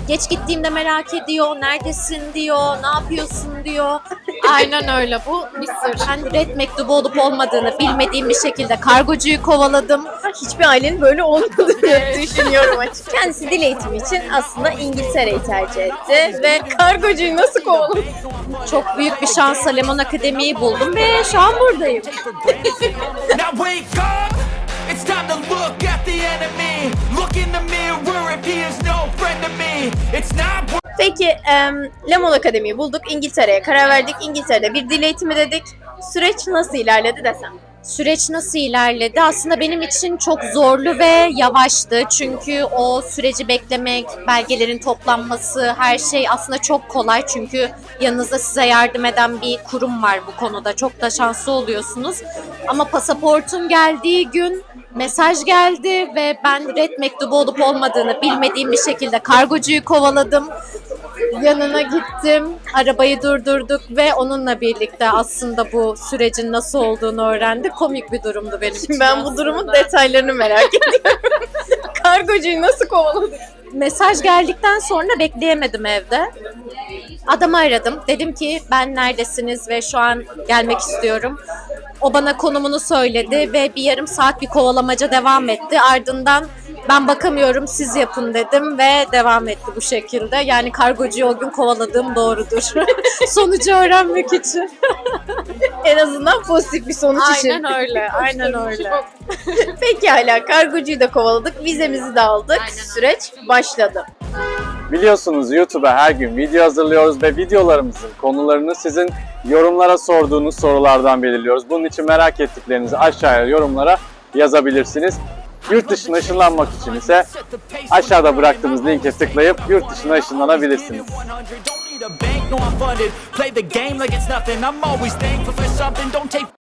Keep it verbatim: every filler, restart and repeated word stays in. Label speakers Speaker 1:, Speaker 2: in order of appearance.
Speaker 1: Geç gittiğimde merak ediyor, neredesin diyor, ne yapıyorsun diyor. Aynen öyle, bu bir sır. Ben red mektubu olup olmadığını bilmediğim bir şekilde kargocuyu kovaladım.
Speaker 2: Hiçbir ailenin böyle olmadığını düşünüyorum açıkçası. Kendisi dil eğitimi için aslında İngiltere'yi tercih etti ve kargocuyu nasıl kovaladı?
Speaker 1: Çok büyük bir şansla Lemon Akademi'yi buldum ve şu an buradayım.
Speaker 3: Now wake up! It's time to look at the enemy. Look in the mirror if he is no friend to me. It's not.
Speaker 2: Peki em, Lemon Akademi'yi bulduk, İngiltere'ye karar verdik. İngiltere'de bir dil eğitimi dedik. Süreç nasıl ilerledi desem?
Speaker 1: Süreç nasıl ilerledi? Aslında benim için çok zorlu ve yavaştı. Çünkü o süreci beklemek, belgelerin toplanması, her şey aslında çok kolay. Çünkü yanınızda size yardım eden bir kurum var bu konuda. Çok da şanslı oluyorsunuz. Ama pasaportun geldiği gün mesaj geldi ve ben red mektubu olup olmadığını bilmediğim bir şekilde kargocuyu kovaladım. Yanına gittim, arabayı durdurduk ve onunla birlikte aslında bu sürecin nasıl olduğunu öğrendik. Komik bir durumdu benim için.
Speaker 2: Şimdi ben bu durumun detaylarını merak ediyorum. Kargocuyu nasıl kovaladık?
Speaker 1: Mesaj geldikten sonra bekleyemedim evde. Adamı aradım. Dedim ki ben neredesiniz ve şu an gelmek istiyorum. O bana konumunu söyledi ve bir yarım saat bir kovalamaca devam etti. Ardından ben bakamıyorum siz yapın dedim ve devam etti bu şekilde. Yani kargocuyu o gün kovaladığım doğrudur. Sonucu öğrenmek için.
Speaker 2: En azından pozitif bir sonuç için.
Speaker 1: Aynen öyle, aynen öyle.
Speaker 2: Peki hala kargocuyu da kovaladık, vizemizi de aldık.
Speaker 1: Aynen öyle.
Speaker 2: Süreç başladı.
Speaker 4: Biliyorsunuz YouTube'a her gün video hazırlıyoruz ve videolarımızın konularını sizin yorumlara sorduğunuz sorulardan belirliyoruz. Bunun için merak ettiklerinizi aşağıya yorumlara yazabilirsiniz. Yurt dışına ışınlanmak için ise aşağıda bıraktığımız linke tıklayıp yurt dışına ışınlanabilirsiniz.
Speaker 3: Play the game like it's nothing. I'm always thankful for something. Don't take